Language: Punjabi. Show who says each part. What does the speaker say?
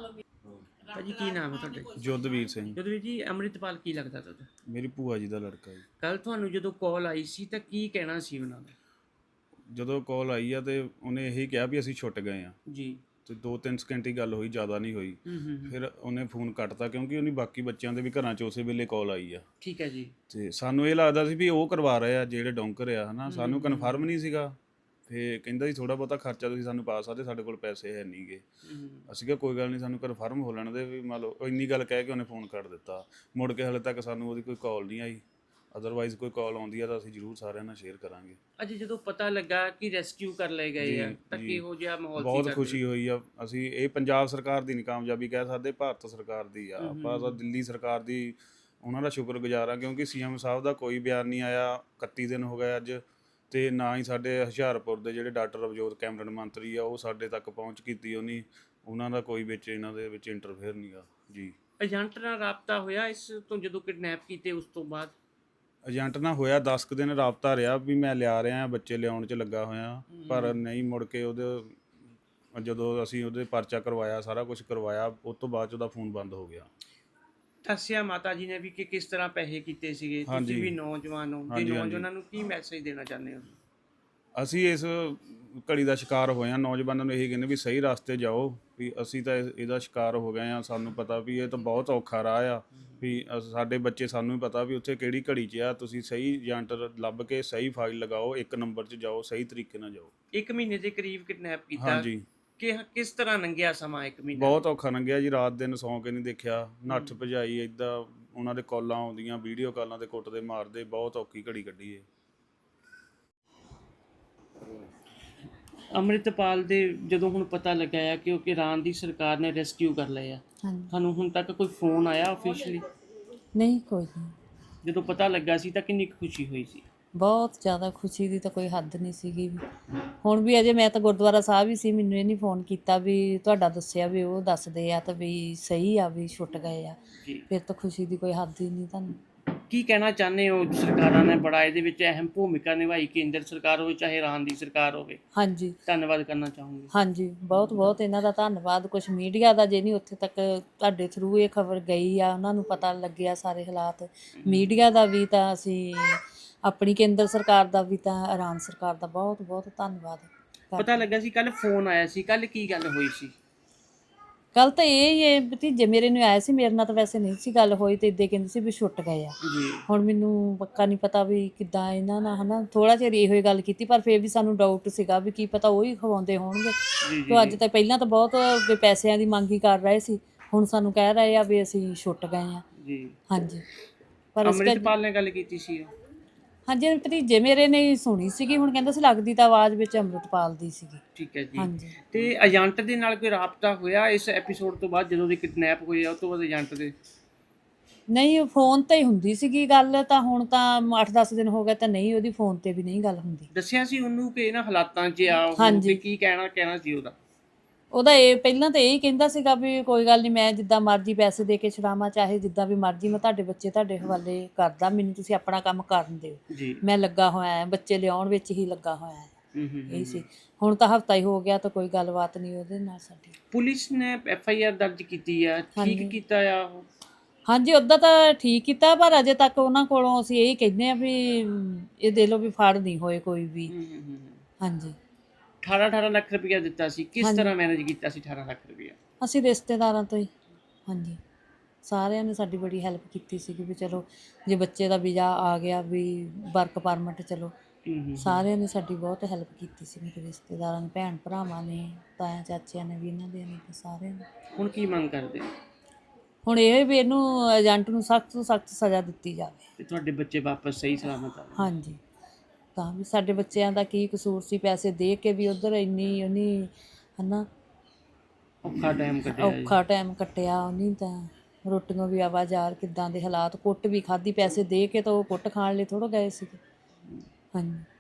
Speaker 1: ਭਾਜੀ ਕੀ ਨਾਮ ਹੈ ਤੁਹਾਡਾ?
Speaker 2: ਜੋਧਵੀਰ ਸਿੰਘ।
Speaker 1: ਜੋਧਵੀਰ ਜੀ, ਅੰਮ੍ਰਿਤਪਾਲ ਕੀ ਲੱਗਦਾ ਤੁਹਾਡਾ?
Speaker 2: ਮੇਰੀ ਭੂਆ ਜੀ ਦਾ ਲੜਕਾ ਜੀ।
Speaker 1: ਕੱਲ ਤੁਹਾਨੂੰ ਜਦੋਂ ਕਾਲ ਆਈ ਸੀ ਤਾਂ ਕੀ ਕਹਿਣਾ ਸੀ ਉਹਨਾਂ ਦਾ?
Speaker 2: ਜਦੋਂ ਕਾਲ ਆਈ ਆ ਤੇ ਉਹਨੇ ਇਹੀ ਕਿਹਾ ਵੀ ਅਸੀਂ ਛੁੱਟ ਗਏ ਆ
Speaker 1: ਜੀ।
Speaker 2: ਤੇ 2-3 ਸਕਿੰਟ ਹੀ ਗੱਲ ਹੋਈ, ਜ਼ਿਆਦਾ ਨਹੀਂ ਹੋਈ। ਫਿਰ ਉਹਨੇ ਫੋਨ ਕੱਟਤਾ ਕਿਉਂਕਿ ਉਹਨੇ ਬਾਕੀ ਬੱਚਿਆਂ ਦੇ ਵੀ ਘਰਾਂ 'ਚ ਉਸੇ ਵੇਲੇ ਕਾਲ ਆਈ ਆ।
Speaker 1: ਠੀਕ ਹੈ ਜੀ।
Speaker 2: ਤੇ ਸਾਨੂੰ ਇਹ ਲੱਗਦਾ ਸੀ ਵੀ ਉਹ ਕਰਵਾ ਰਹੇ ਆ ਜਿਹੜੇ ਡੌਂਕਰ ਆ, ਹਨਾ। ਸਾਨੂੰ ਕਨਫਰਮ ਨਹੀਂ ਸੀਗਾ। ਫਿਰ ਕਹਿੰਦਾ ਸੀ ਥੋੜ੍ਹਾ ਬਹੁਤਾ ਖਰਚਾ ਤੁਸੀਂ ਸਾਨੂੰ ਪਾ ਸਕਦੇ, ਸਾਡੇ ਕੋਲ ਪੈਸੇ ਹੈ ਨਹੀਂ ਗੇ। ਅਸੀਂ ਕਿਹਾ ਕੋਈ ਗੱਲ ਨਹੀਂ, ਸਾਨੂੰ ਕਨਫਰਮ ਹੋ ਲੈਣ ਦੇ ਵੀ। ਮੰਨ ਲਓ ਇੰਨੀ ਗੱਲ ਕਹਿ ਕੇ ਉਹਨੇ ਫੋਨ ਕੱਟ ਦਿੱਤਾ। ਮੁੜ ਕੇ ਹਾਲੇ ਤੱਕ ਸਾਨੂੰ ਉਹਦੀ ਕੋਈ ਕਾਲ ਨਹੀਂ ਆਈ। ਅਦਰਵਾਈਜ਼ ਕੋਈ ਕਾਲ ਆਉਂਦੀ ਆ ਤਾਂ ਅਸੀਂ ਜ਼ਰੂਰ ਸਾਰਿਆਂ ਨਾਲ ਸ਼ੇਅਰ ਕਰਾਂਗੇ।
Speaker 1: ਅੱਜ ਜਦੋਂ ਪਤਾ ਲੱਗਾ ਕਿ ਰੈਸਕਿਊ ਕਰ ਲਏ ਗਏ ਆ ਤਾਂ ਕਿਹੋ ਜਿਹਾ ਮਾਹੌਲ ਸੀ?
Speaker 2: ਬਹੁਤ ਖੁਸ਼ੀ ਹੋਈ ਆ। ਅਸੀਂ ਇਹ ਪੰਜਾਬ ਸਰਕਾਰ ਦੀ ਨਹੀਂ ਕਾਮਯਾਬੀ ਕਹਿ ਸਕਦੇ, ਭਾਰਤ ਸਰਕਾਰ ਦੀ ਆ। ਆਪਾਂ ਤਾਂ ਦਿੱਲੀ ਸਰਕਾਰ ਦੀ ਉਹਨਾਂ ਦਾ ਸ਼ੁਕਰਗੁਜ਼ਾਰ ਆ ਕਿਉਂਕਿ ਸੀਐਮ ਸਾਹਿਬ ਦਾ ਕੋਈ ਬਿਆਨ ਨਹੀਂ ਆਇਆ। 31 ਦਿਨ ਹੋ ਗਏ ਅੱਜ, ਤੇ ਨਾ ਹੀ ਸਾਡੇ ਹੁਸ਼ਿਆਰਪੁਰ ਦੇ ਜਿਹੜੇ ਡਾਕਟਰ ਅਵਜੋਤ ਕੈਬਨਿਟ ਮੰਤਰੀ ਆ ਉਹ ਸਾਡੇ ਤੱਕ ਪਹੁੰਚ ਕੀਤੀ ਉਹਨੀ। ਉਹਨਾਂ ਦਾ ਕੋਈ ਵਿੱਚ ਇਹਨਾਂ ਦੇ ਵਿੱਚ ਇੰਟਰਫੇਅਰ ਨਹੀਂ ਗਾ ਜੀ।
Speaker 1: ਏਜੰਟ ਨਾਲ ਰਾਬਤਾ ਹੋਇਆ ਇਸ ਤੋਂ ਜਦੋਂ ਕਿਡਨੈਪ ਕੀਤੇ ਉਸ ਤੋਂ ਬਾਅਦ?
Speaker 2: ਏਜੰਟ ਨਾਲ ਹੋਇਆ 10 ਕੁ ਦਿਨ ਰਾਬਤਾ ਰਿਹਾ ਵੀ ਮੈਂ ਲਿਆ ਰਿਹਾ, ਬੱਚੇ ਲਿਆਉਣ 'ਚ ਲੱਗਾ ਹੋਇਆ, ਪਰ ਨਹੀਂ। ਮੁੜ ਕੇ ਉਹਦੇ ਜਦੋਂ ਅਸੀਂ ਉਹਦੇ ਪਰਚਾ ਕਰਵਾਇਆ, ਸਾਰਾ ਕੁਝ ਕਰਵਾਇਆ, ਉਸ ਤੋਂ ਬਾਅਦ 'ਚ ਉਹਦਾ ਫੋਨ ਬੰਦ ਹੋ ਗਿਆ।
Speaker 1: ਦੱਸਿਆ ਮਾਤਾ ਜੀ ਨੇ ਵੀ ਕਿ ਕਿਸ ਤਰ੍ਹਾਂ ਪੈਸੇ ਕੀਤੇ ਸੀਗੇ। ਤੁਸੀਂ ਵੀ ਨੌਜਵਾਨ ਹੋ ਤੇ ਨੌਜਵਾਨਾਂ ਨੂੰ ਕੀ ਮੈਸੇਜ ਦੇਣਾ ਚਾਹੁੰਦੇ ਹੋ? ਅਸੀਂ
Speaker 2: ਇਸ ਘੜੀ ਦਾ ਸ਼ਿਕਾਰ ਹੋਏ ਹਾਂ। ਨੌਜਵਾਨਾਂ ਨੂੰ ਇਹੀ ਕਹਿੰਦੇ ਵੀ ਸਹੀ ਰਸਤੇ ਜਾਓ, ਵੀ ਅਸੀਂ ਤਾਂ ਇਹਦਾ ਸ਼ਿਕਾਰ ਹੋ ਗਏ ਹਾਂ। ਸਾਨੂੰ ਪਤਾ ਵੀ ਇਹ ਤਾਂ ਬਹੁਤ ਔਖਾ ਰਾਹ ਆ, ਵੀ ਸਾਡੇ ਬੱਚੇ, ਸਾਨੂੰ ਵੀ ਪਤਾ ਵੀ ਉੱਥੇ ਕਿਹੜੀ ਘੜੀ 'ਚ ਆ। ਤੁਸੀਂ ਸਹੀ ਏਜੰਟ ਲੱਭ ਕੇ ਸਹੀ ਫਾਈਲ ਲਗਾਓ, ਇੱਕ ਨੰਬਰ 'ਚ ਜਾਓ, ਸਹੀ ਤਰੀਕੇ ਨਾਲ ਜਾਓ।
Speaker 1: 1 ਮਹੀਨੇ ਦੇ ਕਰੀਬ ਕਿਡਨੈਪ ਕੀਤਾ।
Speaker 2: ਹਾਂਜੀ।
Speaker 1: ਕਿ ਕਿਸ ਤਰ੍ਹਾਂ ਲੰਘਿਆ ਸਮਾਂ 1 ਮਹੀਨਾ?
Speaker 2: ਬਹੁਤ ਔਖਾ ਲੰਘਿਆ ਜੀ। ਰਾਤ ਦਿਨ ਸੌਂ ਕੇ ਨਹੀਂ ਦੇਖਿਆ, ਨੱਠ ਭਜਾਈ ਇੱਦਾਂ। ਉਹਨਾਂ ਦੇ ਕਾਲਾਂ ਆਉਂਦੀਆਂ, ਵੀਡੀਓ ਕਾਲਾਂ 'ਤੇ ਕੁੱਟਦੇ ਮਾਰਦੇ, ਬਹੁਤ ਔਖੀ ਘੜੀ ਕੱਢੀ ਏ।
Speaker 1: ਅੰਮ੍ਰਿਤਪਾਲ ਦੇ ਜਦੋਂ ਹੁਣ ਪਤਾ ਲੱਗਾ ਆ ਕਿ ਇਰਾਨ ਦੀ ਸਰਕਾਰ ਨੇ ਰੈਸਕਿਊ ਕਰ ਲਏ ਆ, ਤੁਹਾਨੂੰ ਹੁਣ ਤੱਕ ਕੋਈ ਫੋਨ ਆਇਆ ਆਫੀਸ਼ੀਅਲੀ?
Speaker 3: ਨਹੀਂ, ਕੋਈ ਨਹੀਂ।
Speaker 1: ਜਦੋਂ ਪਤਾ ਲੱਗਾ ਸੀ ਤਾਂ ਕਿੰਨੀ ਖੁਸ਼ੀ ਹੋਈ ਸੀ?
Speaker 3: ਬਹੁਤ ਜ਼ਿਆਦਾ ਖੁਸ਼ੀ ਦੀ ਤਾਂ ਕੋਈ ਹੱਦ ਨਹੀਂ ਸੀਗੀ ਵੀ। ਹੁਣ ਵੀ ਅਜੇ ਮੈਂ ਤਾਂ ਗੁਰਦੁਆਰਾ ਸਾਹਿਬ ਹੀ ਸੀ, ਮੈਨੂੰ ਇਹ ਨਹੀਂ ਫੋਨ ਕੀਤਾ ਵੀ ਤੁਹਾਡਾ ਦੱਸਿਆ ਵੀ ਉਹ ਦੱਸਦੇ ਆ ਤਾਂ ਵੀ ਸਹੀ ਆ, ਵੀ ਛੁੱਟ ਗਏ ਆ। ਫਿਰ ਤਾਂ ਖੁਸ਼ੀ ਦੀ ਕੋਈ ਹੱਦ ਹੀ ਨਹੀਂ। ਤੁਹਾਨੂੰ
Speaker 1: ਕੀ ਕਹਿਣਾ ਚਾਹੁੰਦੇ ਹੋ? ਸਰਕਾਰਾਂ ਨੇ ਬੜਾ ਇਹਦੇ ਵਿੱਚ ਅਹਿਮ ਭੂਮਿਕਾ ਨਿਭਾਈ, ਕੇਂਦਰ ਸਰਕਾਰ ਹੋਵੇ ਚਾਹੇ ਇਰਾਨ ਦੀ ਸਰਕਾਰ ਹੋਵੇ।
Speaker 3: ਹਾਂਜੀ,
Speaker 1: ਧੰਨਵਾਦ ਕਰਨਾ ਚਾਹੂੰਗੀ।
Speaker 3: ਹਾਂਜੀ, ਬਹੁਤ ਬਹੁਤ ਇਹਨਾਂ ਦਾ ਧੰਨਵਾਦ। ਕੁਛ ਮੀਡੀਆ ਦਾ, ਜੇ ਨਹੀਂ ਉੱਥੇ ਤੱਕ ਤੁਹਾਡੇ ਥਰੂ ਇਹ ਖਬਰ ਗਈ ਆ, ਉਹਨਾਂ ਨੂੰ ਪਤਾ ਲੱਗਿਆ ਸਾਰੇ ਹਾਲਾਤ। ਮੀਡੀਆ ਦਾ ਵੀ ਤਾਂ ਅਸੀਂ, ਆਪਣੀ ਕੇਂਦਰ ਸਰਕਾਰ ਦਾ ਵੀ ਤਾਂ, ਇਰਾਨ ਸਰਕਾਰ ਦਾ ਬਹੁਤ ਬਹੁਤ ਧੰਨਵਾਦ।
Speaker 1: ਪਤਾ ਲੱਗਾ ਸੀ ਕੱਲ ਫੋਨ ਆਇਆ ਸੀ, ਕੱਲ ਕੀ ਗੱਲ ਹੋਈ ਸੀ?
Speaker 3: ਕੱਲ ਤਾਂ ਇਹ ਭਤੀਜੇ ਮੇਰੇ ਨੂੰ ਆਇਆ ਸੀ, ਮੇਰੇ ਨਾਲ ਤਾਂ ਵੈਸੇ ਨਹੀਂ ਸੀ ਗੱਲ ਹੋਈ, ਤੇ ਇੱਦਾਂ ਕਹਿੰਦੇ ਸੀ ਵੀ ਛੁੱਟ ਗਏ ਆ। ਹੁਣ ਮੈਨੂੰ ਪੱਕਾ ਨਹੀਂ ਪਤਾ ਵੀ ਕਿੱਦਾਂ ਇਹਨਾਂ ਨਾਲ, ਹਨਾ। ਥੋੜਾ ਚਿਰ ਇਹੋ ਹੀ ਗੱਲ ਕੀਤੀ, ਪਰ ਫਿਰ ਵੀ ਸਾਨੂੰ ਡਾਊਟ ਸੀਗਾ ਵੀ ਕੀ ਪਤਾ ਉਹੀ ਖਵਾਉਂਦੇ ਹੋਣਗੇ। ਤੇ ਅੱਜ ਤਾਂ ਪਹਿਲਾਂ ਤਾਂ ਬਹੁਤ ਪੈਸਿਆਂ ਦੀ ਮੰਗ ਹੀ ਕਰ ਰਹੇ ਸੀ, ਹੁਣ ਸਾਨੂੰ ਕਹਿ ਰਹੇ ਆ ਵੀ ਅਸੀਂ ਛੁੱਟ ਗਏ ਆ। ਹਾਂਜੀ, ਪਰ
Speaker 1: ਅੰਮ੍ਰਿਤਪਾਲ ਨੇ ਗੱਲ ਕੀਤੀ ਸੀ?
Speaker 3: ਹਾਂਜੀ, ਭਤੀਜੇ ਮੇਰੇ ਨੇ ਸੁਣੀ ਸੀਗੀ। ਹੁਣ ਕਹਿੰਦਾ ਸੀ ਲੱਗਦੀ ਤਾਂ ਆਵਾਜ਼ ਵਿੱਚ ਅੰਮ੍ਰਿਤਪਾਲ ਦੀ ਸੀਗੀ।
Speaker 1: ਠੀਕ ਹੈ ਜੀ।
Speaker 3: ਹਾਂਜੀ।
Speaker 1: ਤੇ ਏਜੰਟ ਦੇ ਨਾਲ ਕੋਈ ਰਾਬਤਾ ਹੋਇਆ ਇਸ ਐਪੀਸੋਡ ਤੋਂ ਬਾਅਦ, ਜਦੋਂ ਦੇ ਕਿਡਨੈਪ ਹੋਏ ਆ ਉਸ ਤੋਂ ਬਾਅਦ ਏਜੰਟ ਦੇ? ਨਹੀਂ,
Speaker 3: ਫੋਨ ਤੇ ਹੀ ਹੁੰਦੀ ਸੀਗੀ ਗੱਲ। ਤਾਂ ਹੁਣ ਤਾਂ 8-10 ਦਿਨ ਹੋ ਗਏ ਤਾਂ ਨਹੀਂ, ਉਹਦੀ ਫੋਨ ਤੇ ਵੀ ਨਹੀਂ ਗੱਲ ਹੁੰਦੀ।
Speaker 1: ਦੱਸਿਆ ਸੀ ਉਹਨੂੰ ਕਿ ਇਹਨਾਂ ਹਾਲਾਤਾਂ 'ਚ ਆ ਉਹ, ਤੇ ਕੀ ਕਹਿਣਾ ਸੀ ਉਹਦਾ?
Speaker 3: ਉਹਦਾ ਇਹ ਪਹਿਲਾਂ ਤਾਂ ਇਹੀ ਕਹਿੰਦਾ ਸੀਗਾ ਵੀ ਕੋਈ ਗੱਲ ਨਹੀਂ, ਮੈਂ ਜਿੱਦਾਂ ਮਰਜ਼ੀ ਪੈਸੇ ਦੇ ਕੇ ਛੁਡਾਵਾਂ, ਚਾਹੇ ਜਿੱਦਾਂ ਵੀ ਮਰਜ਼ੀ, ਮੈਂ ਤੁਹਾਡੇ ਬੱਚੇ ਤੁਹਾਡੇ ਹਵਾਲੇ ਕਰਦਾ, ਮੈਨੂੰ ਤੁਸੀਂ ਆਪਣਾ ਕੰਮ ਕਰਨ ਦਿਓ, ਮੈਂ ਲੱਗਾ ਹੋਇਆ, ਬੱਚੇ ਲਿਆਉਣ ਵਿੱਚ ਹੀ ਲੱਗਾ ਹੋਇਆ। ਇਹ ਸੀ। ਹੁਣ ਤਾਂ ਹਫਤਾ ਹੀ ਹੋ ਗਿਆ ਤਾਂ ਕੋਈ ਗੱਲਬਾਤ ਨਹੀਂ ਉਹਦੇ ਨਾਲ ਸਾਡੀ।
Speaker 1: ਪੁਲਿਸ ਨੇ FIR ਦਰਜ ਕੀਤੀ ਆ, ਠੀਕ ਕੀਤਾ ਆ ਉਹ? ਹਾਂਜੀ,
Speaker 3: ਉੱਦਾਂ ਤਾਂ ਠੀਕ ਕੀਤਾ, ਪਰ ਅਜੇ ਤੱਕ ਉਹਨਾਂ ਕੋਲੋਂ ਅਸੀਂ ਇਹੀ ਕਹਿੰਦੇ ਆ ਵੀ ਇਹ ਦੇ ਲਓ ਵੀ ਫੜ ਨਹੀਂ ਹੋਏ ਕੋਈ ਵੀ। ਹਾਂਜੀ।
Speaker 1: 18 ਲੱਖ ਰੁਪਇਆ ਦਿੱਤਾ ਸੀ, ਕਿਸ ਤਰ੍ਹਾਂ ਮੈਨੇਜ ਕੀਤਾ ਸੀ 18 ਲੱਖ ਰੁਪਇਆ?
Speaker 3: ਅਸੀਂ ਰਿਸ਼ਤੇਦਾਰਾਂ ਤੋਂ ਹੀ। ਹਾਂਜੀ, ਸਾਰਿਆਂ ਨੇ ਸਾਡੀ ਬੜੀ ਹੈਲਪ ਕੀਤੀ ਸੀਗੀ ਵੀ ਚਲੋ ਜੇ ਬੱਚੇ ਦਾ ਵੀਜ਼ਾ ਆ ਗਿਆ, ਵੀ ਵਰਕ ਪਰਮਿਟ, ਚਲੋ ਸਾਰਿਆਂ ਨੇ ਸਾਡੀ ਬਹੁਤ ਹੈਲਪ ਕੀਤੀ ਸੀ। ਮੇਰੇ ਰਿਸ਼ਤੇਦਾਰਾਂ ਨੇ, ਭੈਣ ਭਰਾਵਾਂ ਨੇ, ਤਾਇਆ ਚਾਚਿਆਂ ਨੇ ਵੀ, ਇਹਨਾਂ ਦੇ ਨੇ, ਸਾਰਿਆਂ ਨੇ।
Speaker 1: ਹੁਣ ਕੀ ਮੰਗ ਕਰਦੇ?
Speaker 3: ਹੁਣ ਇਹ ਵੀ ਇਹਨੂੰ, ਏਜੰਟ ਨੂੰ ਸਖਤ ਤੋਂ ਸਖਤ ਸਜ਼ਾ ਦਿੱਤੀ ਜਾਵੇ
Speaker 1: ਤੇ ਤੁਹਾਡੇ ਬੱਚੇ ਵਾਪਸ ਸਹੀ ਸਲਾਮਤ ਆਵੇ।
Speaker 3: ਹਾਂਜੀ, ਤਾਂ ਵੀ ਸਾਡੇ ਬੱਚਿਆਂ ਦਾ ਕੀ ਕਸੂਰ ਸੀ? ਪੈਸੇ ਦੇ ਕੇ ਵੀ ਉੱਧਰ ਇੰਨੀ ਉਹਨੇ, ਹਨਾ, ਔਖਾ ਟਾਈਮ ਕੱਟਿਆ ਉਹਨੇ। ਤਾਂ ਰੋਟੀਆਂ ਵੀ ਆਵਾਜ਼ਾਰ, ਕਿੱਦਾਂ ਦੇ ਹਾਲਾਤ, ਕੁੱਟ ਵੀ ਖਾਧੀ, ਪੈਸੇ ਦੇ ਕੇ ਤਾਂ ਉਹ ਕੁੱਟ ਖਾਣ ਲਈ ਥੋੜ੍ਹਾ ਗਏ ਸੀਗੇ। ਹਾਂਜੀ।